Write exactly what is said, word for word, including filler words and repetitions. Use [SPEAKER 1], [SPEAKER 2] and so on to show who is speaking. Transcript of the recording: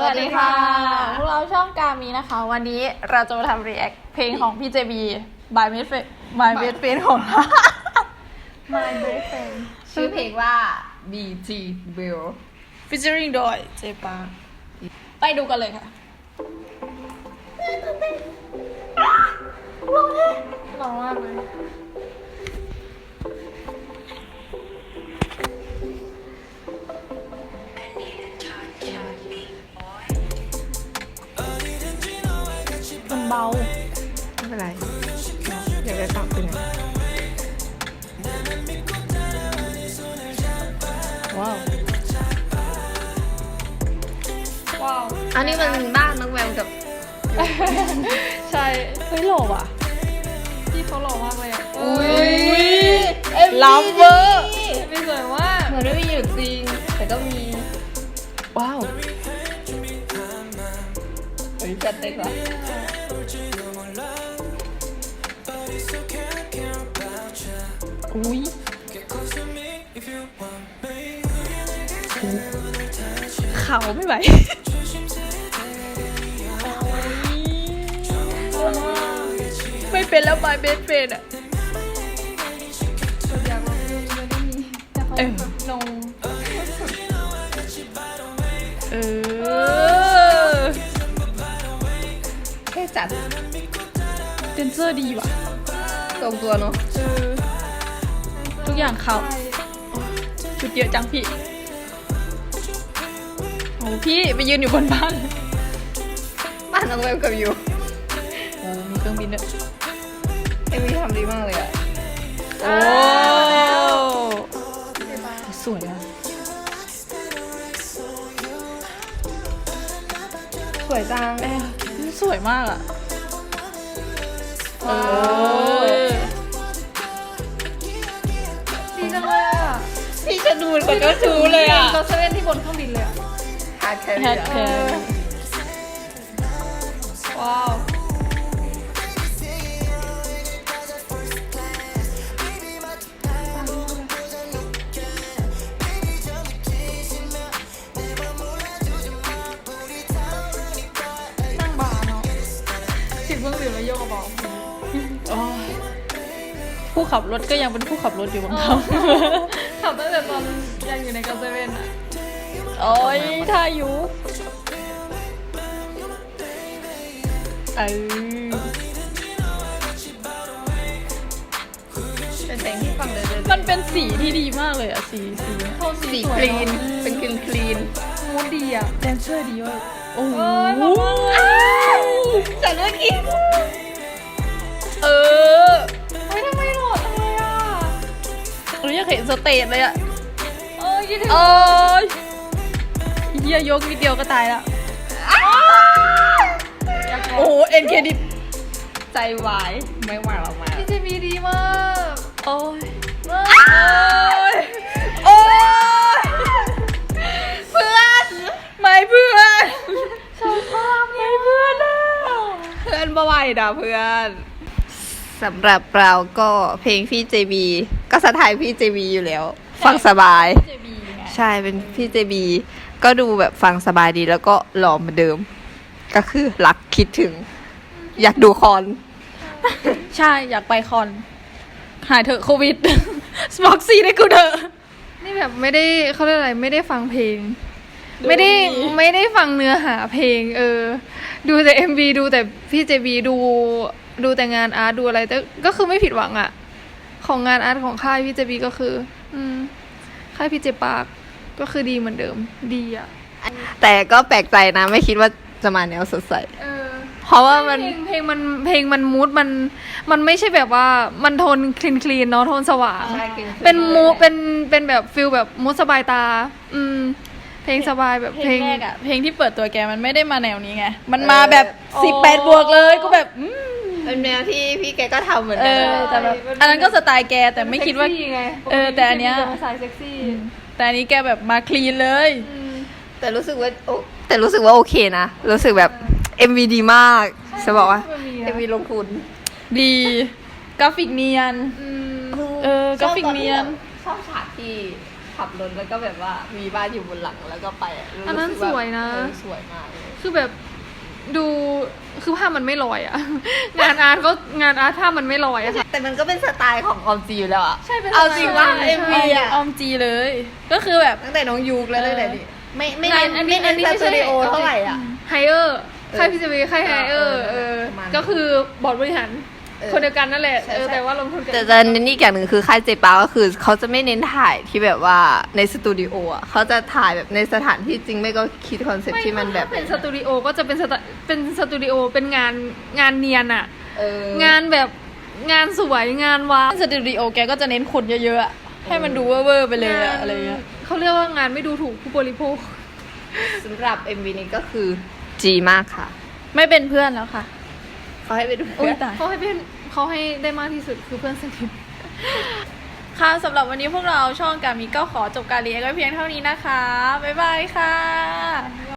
[SPEAKER 1] วัสดีค่ะพวกเราช่องกามีนะคะวันนี้เราจะมาทำรีแอคเพลงของพี่เจบี by Best Friend by Best Friend ของเรา
[SPEAKER 2] My Best Friend ชื่อเพลงว่า บี จี Bill
[SPEAKER 1] featuring โดยเจปาไปดูกันเลยค่ะร้องมากเลยมันเบา
[SPEAKER 2] ไม่เป็นไรอยากได้ปรับเป็นไงว้าว
[SPEAKER 1] ว้าว
[SPEAKER 2] อันนี้มันบ้านน้องแววกับ
[SPEAKER 1] ใช่เฮ้ยหล่อว่ะพี่เขาหล่อมากเลยอ่ะ
[SPEAKER 2] อุ้ย
[SPEAKER 1] ลับเวอร์ไม่สวยมาก
[SPEAKER 2] เหมือนไม่มีอยู่จริงแต่ก็มีว้าวเฮ้ยจัดเต็มว่ะ
[SPEAKER 1] อุ้ยเขาไม่ไหวไม่เป็นแล้วบายเบสเฟนอ่ะเออลงเออ
[SPEAKER 2] แค่จัด
[SPEAKER 1] เดนเซอร์ดีว่ะ
[SPEAKER 2] ตรงตัวเนาะ
[SPEAKER 1] เออทุกอย่างเขาชุดเยอะจังพี่โอ้พี่ไปยืนอยู่บนบ้าน
[SPEAKER 2] บ้านน้องแววกับยู
[SPEAKER 1] โอ้มีเครื่องบินด้วย
[SPEAKER 2] เอ็มวีทำดีมากเลยอ่ะ
[SPEAKER 1] โอ้สวยอ่ะ
[SPEAKER 2] สวยจัง
[SPEAKER 1] เอ๊ะสวยมากอ่ะเออ
[SPEAKER 2] ดีจังเลยอ่ะพี่จะดูคนก็ชูเลยอ่ะ
[SPEAKER 1] เราจะเล่นที่บนเครื่องบินเลยอ่ะ
[SPEAKER 2] ฮาร์ดแค
[SPEAKER 1] แฮ
[SPEAKER 2] รี่
[SPEAKER 1] ดแค
[SPEAKER 2] อ่ะ
[SPEAKER 1] ร์ว้าวนั่งบาร์เนาะสิบเครื่องดื่มแล้วโยกกระเป๋าผู้ขับรถก็ยังเป็นผู้ขับรถอยู่บางครั้งขับตั้งแต่ตอนยังอยู่ในกาเซเว่นอ่ะโอ้ยท่ายุเออ
[SPEAKER 2] เป็นเพลงที่ฟังเลยเลย
[SPEAKER 1] มันเป็นสีที่ดีมากเลยอ่ะสีสีโทน
[SPEAKER 2] สี
[SPEAKER 1] ส
[SPEAKER 2] ค
[SPEAKER 1] วย
[SPEAKER 2] ลีน
[SPEAKER 1] เอะ
[SPEAKER 2] เป็นคลีนคลีน
[SPEAKER 1] มูดดีอ่ะแดนเซอร์ดีว่ะโอ้โห
[SPEAKER 2] จากเมื่อกี้
[SPEAKER 1] เออเฮ้ยทำไมหล่อจังเลยอ่ะเราอยากเห็นสเตจเลยอ่ะเอ้ยคิดถึงโอ้ยเฮียยกนิดเดียวก็ตายละโอ้โหเอ็นเครดิต
[SPEAKER 2] ใจวายไม่ไหวหรอกมา
[SPEAKER 1] พี่เจมีดีมากโอ้ยโอ้ยโอ้ยเพื่อนไม่เพื่อนชอบมากไม่เพื่อนอ่ะ
[SPEAKER 2] เพื่อนบ่ไหวนะเพื่อนสำหรับเราก็เพลงพี่เจบีก็สไตล์พี่เจบีอยู่แล้ว ฟังสบาย
[SPEAKER 1] เจบีไง
[SPEAKER 2] ใช่เป็นพี่เจบีก็ดูแบบฟังสบายดีแล้วก็หล่อเหมือนเดิม ก็คือรักคิดถึง อยากดูคอน
[SPEAKER 1] ใช่อยากไปคอนหายเถอะโควิด สมอกซีได้กูเถอะ
[SPEAKER 3] นี่แบบไม่ได้เขาเรียกอะไรไม่ได้ฟังเพลง
[SPEAKER 1] ดู
[SPEAKER 3] ไม่ได้
[SPEAKER 1] ดี
[SPEAKER 3] ไม่ได้ฟังเนื้อหาเพลง เออ ดูแต่ เอ็ม วี ดูแต่พี่เจบีดูดูแต่งานอาร์ตดูอะไรแต่ก็คือไม่ผิดหวังอะของงานอาร์ตของค่ายพี่เจบีก็คือ อืมค่ายพี่เจปากก็คือดีเหมือนเดิม ดีอะ
[SPEAKER 2] แต่ก็แปลกใจนะไม่คิดว่าจะมาแนวสดใส
[SPEAKER 3] เออ
[SPEAKER 2] เพราะว่ามัน
[SPEAKER 3] เพลงเพลงมันเพลงมันมูดมันมันไม่ใช่แบบว่ามันโทนคลีนคลีนเนาะโทนสว่าง
[SPEAKER 2] ใช่คลีนๆ
[SPEAKER 3] เป็นมูเป็นเป็นแบบฟิลแบบมูดสบายตา อืม เพลงสบายแบบ
[SPEAKER 1] เพ
[SPEAKER 3] เพ
[SPEAKER 1] ล
[SPEAKER 3] ล
[SPEAKER 1] ง
[SPEAKER 3] ง
[SPEAKER 1] แรกอะเพลงที่เปิดตัวแกมันไม่ได้มาแนวนี้ไงมันมาแบบสิบแปดบวกเลยก็แบบอืม
[SPEAKER 2] เป็นแนวที่พี่แกก็ทำเหมือน
[SPEAKER 1] เอ
[SPEAKER 2] กัน
[SPEAKER 1] อแต่แบบอันนั้นก็สไตล์แกแต่ไม่คิดว่า
[SPEAKER 3] เซ็กซี่ไง
[SPEAKER 1] เออแต่อันเนี้ย
[SPEAKER 3] ปกติพี่จะมาสายเซ็กซี่
[SPEAKER 1] แต่อันนี้แกแบบมาคลีนเลย
[SPEAKER 3] อืม
[SPEAKER 2] แต่รู้สึกว่าโอแต่รู้สึกว่าโอเคนะรู้สึกแบบ เอ็ม วี ดีมากจะบอกว่า เอ็ม วี ลงทุน
[SPEAKER 1] ดีกราฟิกเนียน
[SPEAKER 3] อืม
[SPEAKER 1] เออกราฟิกเนียน
[SPEAKER 2] ชอบฉากที่ขับรถแล้วก็แบบว่ามีบ้านอยู่บนหลังแล้วก็ไปะ
[SPEAKER 3] อันนั้น
[SPEAKER 2] รู้สึก
[SPEAKER 3] สวยนะ
[SPEAKER 2] เออสวยมากเลย
[SPEAKER 3] คือแบบดูคือภาพมันไม่ลอยอะ งานอาร์ตก็งานอาร์ตภาพมันไม่ลอยอะค่ะ
[SPEAKER 2] แต่มันก็เป็นสไตล์ของออมจีอยู่แล้วอะ
[SPEAKER 3] ใช่เป็น
[SPEAKER 2] เอาจริงว่า
[SPEAKER 3] สไตล์
[SPEAKER 2] เอ็มวีอะ
[SPEAKER 1] ออมจีเลย ก็คือแบบ
[SPEAKER 2] ตั้งแต่น้องยูกแล้วตั้งแต่นี้ไม่ไม่
[SPEAKER 3] งา
[SPEAKER 2] เน้
[SPEAKER 3] น
[SPEAKER 2] น
[SPEAKER 3] อัน
[SPEAKER 2] ไม่
[SPEAKER 3] นี้อั
[SPEAKER 2] เน้
[SPEAKER 3] น
[SPEAKER 2] น
[SPEAKER 3] นี้
[SPEAKER 2] ส
[SPEAKER 3] ไม่
[SPEAKER 2] ตู
[SPEAKER 3] ใช่
[SPEAKER 2] ดิโอเท่าไหร่อ่ะ
[SPEAKER 3] ไฮเออร์ค่ายพีซีบีค่ายไฮเออร์
[SPEAKER 2] เอ
[SPEAKER 3] เอ
[SPEAKER 2] อ
[SPEAKER 3] อ
[SPEAKER 2] ประมาณนั้น
[SPEAKER 3] ก็คือบอร์ดบริหาร
[SPEAKER 2] เออ
[SPEAKER 3] คนเดียวกันนั่นแหละ
[SPEAKER 2] ใช่
[SPEAKER 3] เออ
[SPEAKER 2] ใช่
[SPEAKER 3] แต่ว่าลงทุนกัน
[SPEAKER 2] แต่จะเน้นอีกอย่างหนึ่งคือค่ายเจปาก็คือเขาจะไม่เน้นถ่ายที่แบบว่าในสตูดิโออ่ะเขาจะถ่ายแบบในสถานที่จริงไม่ก็คิดคอนเซ็ปต์ที่มันแบบ
[SPEAKER 3] ถ้าเป็นสตูดิโอก็จะเป็นสตเป็นสตูดิโอเป็นงานงานเนียนอะ
[SPEAKER 2] เออง
[SPEAKER 3] านแบบงานสวยงานว้าว
[SPEAKER 1] สตูดิโอแกก็จะเน้นคนเยอะๆอะให้มันดูเวอร์ๆไปเลยอะอะไรเงี้ย
[SPEAKER 3] เขาเรียกว่างานไม่ดูถูกผู้บริโภค
[SPEAKER 2] สำหรับ เอ็ม วี นี้ก็คือจีมากค่ะ
[SPEAKER 1] ไม่เป็นเพื่อนแล้วค่ะ
[SPEAKER 2] เขาให้ไปดู
[SPEAKER 1] โอ้ยตาย
[SPEAKER 3] เขาให้เป็นเขาให้ได้มากที่สุดคือเพื่อนสนิท
[SPEAKER 1] ค่ะสำหรับวันนี้พวกเราช่องกามิก็ขอจบการเรียนไว้เพียงเท่านี้นะคะ บ๊ายบายค่ะ